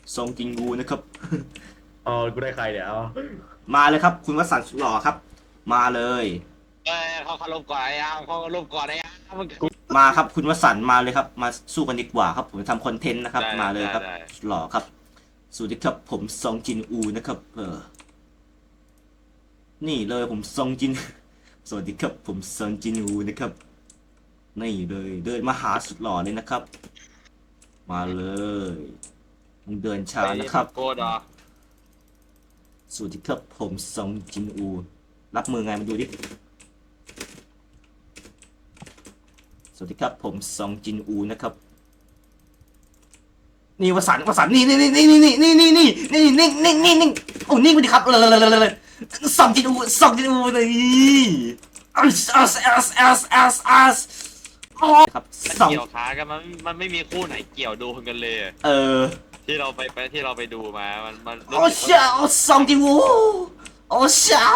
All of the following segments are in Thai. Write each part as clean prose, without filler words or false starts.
ซองจินวูนะครับอ๋อกูได้ใครเนี่ยเอามาเลยครับคุณวสันต์สุดหล่อครับมาเลยเอ้ยเขาลบก่อนไอ้ยามเขาลบก่อนไอ้ยามมึงมาครับคุณวสันต์มาเลยครับมาสู้กันดีกว่าครับผมจะทำคอนเทนต์นะครับได้มาเลยครับได้สุดหล่อครับสวัสดีครับผมซองจินอูนะครับนี่เลยผมซองจิน สวัสดีครับผมซองจินอูนะครับนี่เลยเดินมาหาสุดหล่อเลยนะครับ มาเลยมึงเดินช้านะครับโกดเหรอสวัสดีครับผมซองจินอูรับมือไงมาดูดิสวัสดีครับผมซองจินอูนะครับนี่วสันต์นี่โอ้นี่กูดิครับเลยซองจินอูเลยครับซองเกี่ยวขากันมันไม่มีคู่ไหนเกี่ยวโดนกันเลยที่เราไปดูมามันโอ้เชี่ยซองจินอูโอ้เชี่ย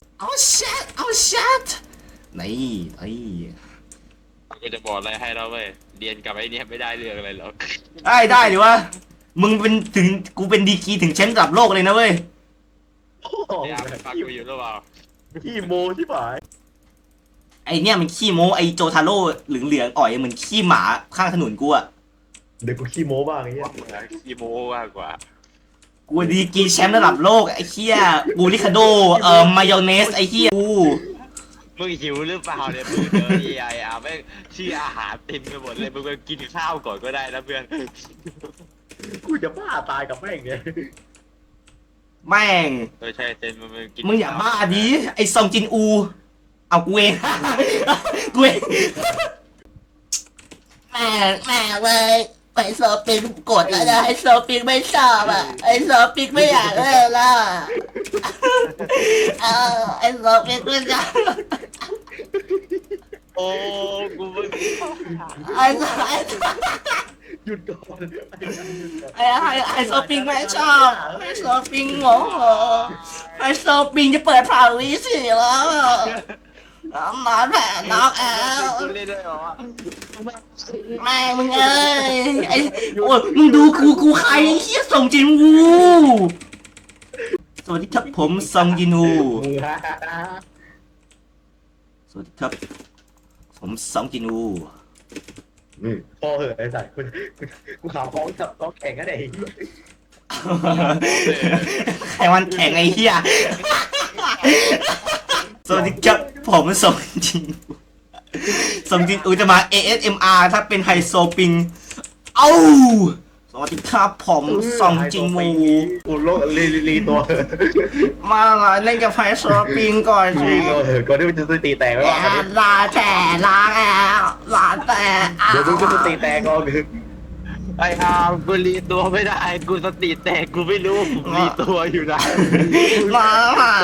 นี่ไอ้กูจะบอกอะไรให้เราเว้ยเรียนกับไอ้เนี่ยไม่ได้เรื่องอะไรหรอกได้หรือวะมึงเป็นถึงกูเป็นดีกรีถึงแชมป์ระดับโลกเลยนะเว้ยไอ้ยามฟังกูอยู่หรือเปล่าขี้โมที่หมายไอเนี่ยมันขี้โม้ไอโจทาโร่เหลืองๆอ่อยเหมือนขี้หมาข้างถนนกูอะเดี๋ยวกูขี้โมบ้างไอ้เหี้ยอีโมมากกว่ากูดีกรีแชมป์ระดับโลกไอเหี้ยบูริคาโดมายองเนสไอเหี้ยกูมึงหิวหรือเปล่าเนี่ยมึงเจอไอ้ยามไม่ชื่ออาหารเต็มไปหมดเลยมึงไปกินข้าวก่อนก็ได้นะเพื่อนกูจะบ้าตายกับแม่งเนี่ยแม่งใช่เต็มมึงกินมึงอย่าบ้าดิไอซองจินอูเอากูเอง กูเองแม่เว้ยไอโซปิงกดแล้วนะไอโซปิงไม่ชอบอ่ะไอโซปิงไม่อยากเล่นแล้วไอโซปิงไม่อยากโอ้กูมึงไอ้หยุดก่อนไอ้โซปิงไม่ชอบไอ้โซปิงโมโหไอ้โซปิงจะเปิดผ่าวิสิแล้วนอนแผ่นอกแอลกูเล่นด้วยเหรอแม่มึงเอ้ยไอ้โอ้ยมึงดูกูใครไอ้เหี้ยส่งจินวูสวัสดีครับผมซองจินวูสวัสดีครับผมซองจินวูพอเหอะไอ้สัตว์กูข่าวฟ้องจับต้องแข่งกันไอ้ใครวันแข่งไอ้เหี้ยสวัสดีครับผมซองจินวูซองจินวูจะมา ASMR ถ้าเป็นไฮโซปิงเอ้าสวัสดีครับผมซองจินวูกูโลกรีตัวมาเล่นกับไฮโซปิงก่อนสิรีตัวเถอะก่อนที่มันจะตีแตกแล้วลาแต่ลาแล้วลาแต่เดี๋ยวมึงก็จะตีแตกก่อนไอ้อามกูรีตัวไม่ได้กูสติแตกกูไม่รู้ผมรีตัวอยู่นะลา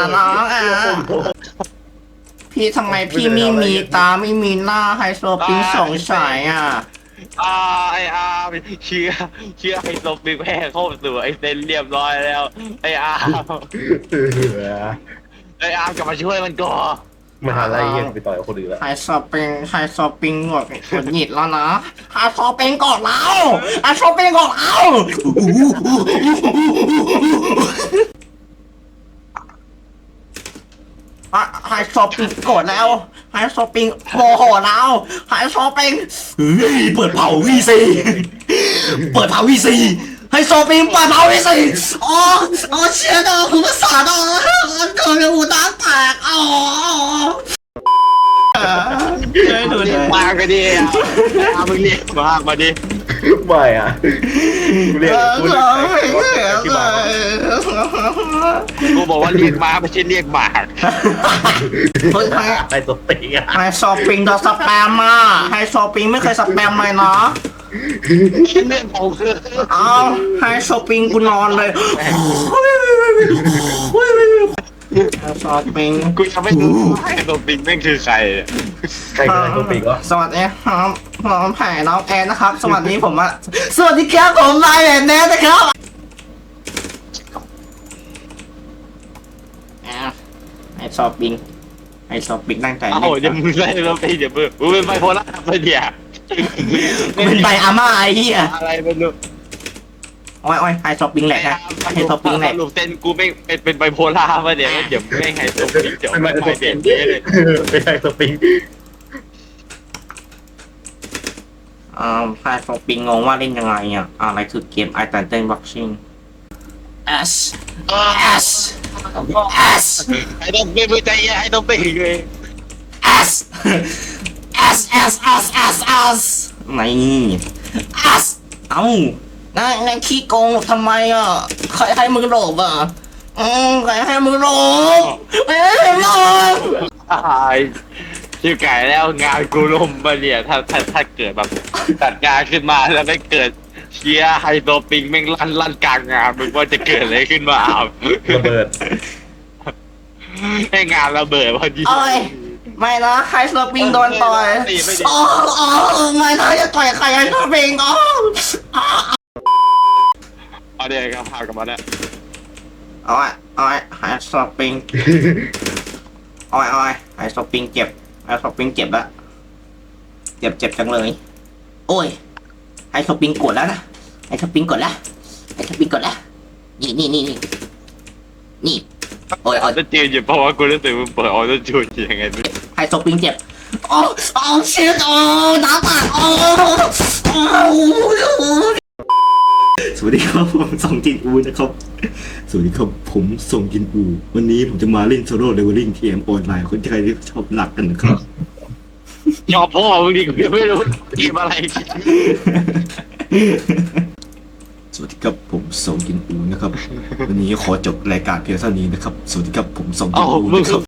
พี่ทำไมพี่ไม่มีตาไม่มีหน้าไฮโซปิงสองสายอ่ะไอ้อามเชื่อไอ้ตบบิ๊กแพ้เข้าสู่ไอ้เซนเรียบร้อยแล้วไอ้อามกลับมาช่วยมันก่อนมหาลัยยังไปต่อยกับคนอื่นแล้วไฮโซปิงหงุดหงิดแล้วนะไฮโซปิงกดแล้วไฮโซปิงกดแล้วไฮโซปิงกดแล้วไฮโซปิงโมโหแล้วไฮโซปิงเปิดเผาวีซีไฮโซปิงเปิดเผาวีซีอ๋อเชี่ยดอกคุณภาษาดอกเกิดอุตาแตกอ๋อเรียกมากมาดิมึงเรียกมากมาดิไม่อ่ะกูเรียกที่บ้านกูบอกว่าเรียกมาไม่ใช่เรียกหมากไอ้ตัวตีอ่ะไฮโซปิงโดนสแปมมาไฮโซปิงไม่เคยสแปมเลยเนาะเรื่องของคือเอาไฮโซปิงกูนอนเลยไฮโซปิงกูยังไม่รู้ไอ้ตัวปิงแม่งคือใครใครคือไอ้ตัวตีก็สวัสดีครับผมแผ่น้องแอนนะครับ สวัสดีผมอะสวัสดีครับผมนายแอนแนทนะครับไฮโซปิงตั้งใจเอ้าเดี๋ยวมึงไล่เราไปเดี๋ยวมึงเป็นไบโพล่าไปเดี๋ยวเป็นใบอาม่าไอ้เหี้ยอะไรไม่รู้โอ้ยไฮช้อปปิ้งแหลกนะไฮช้อปปิ้งแหลกสรุปเส้นกูไม่เป็นไบโพล่าป่ะเดี๋ยวไม่ไงตัวนี้เดี๋ยวไม่เด่นเลยไม่ใช่สปริงไฮช้อปปิ้งงงว่าเล่นยังไงอ่ะอะไรคือเกมไอตันเต้นบ็อกซิ่ง S S S ไอ้ต้องไม่มือใจไอ้ต้องไปเลย S S S S S S ไม่S เอ้านายขี้โกงทำไมอ่ะใครให้มึงหลบอ่ะใครให้มึงหลบไม่ให้หลบชื่อไก่แล้วงานกูล่มมาเนี่ยถ้าเกิดแบบจัดงานขึ้นมาแล้วไม่เกิดเชียร์ไฮโซปิงแม่งลั่นกลางงานมึงว่าจะเกิดอะไรขึ้นมาระเบิดให้งานระเบิดพอดีโอ้ยไม่นะไฮสโลปิงโดนต่อยโอ้ไม่นะจะต่อยใครไฮสโลปิงอ๋อเอาเดี๋ยวก็พากันมาเนี่ยโอ้ยไฮสโลปิงโอ้ยไฮสโลปิงเจ็บไฮสโลปิงเจ็บแล้วเจ็บจังเลยโอ้ยไฮสโลปิงกดแล้วนะไฮสโลปิงกดแล้วไฮสโลปิงกดแล้วนี่โอ้ยจะจืดอยู่เพราะว่ากูรู้สึกมึงเปิดออโต้จูนยังไงไม่ไฮสโลปิงเจ็บโอ้ชิตน้ำตาสวัสดีครับผมส่งจินอูนะครับ สวัสดีครับผมส่งจินอูวันนี้ผมจะมาเล่นโซโล่เลเวลลิ่งทีเอ็มออนไลน์คนที่ใครที่ชอบหลักกันนะครับยอมพ่อมึงดีกูยังไม่รู้เกมอะไรสวัสดีครับผมส่งจินอูนะครับ วันนี้ขอจบรายการเพียงเท่านี้นะครับ สวัสดีครับผมส่งจิเอ้านอูมึงนะครับ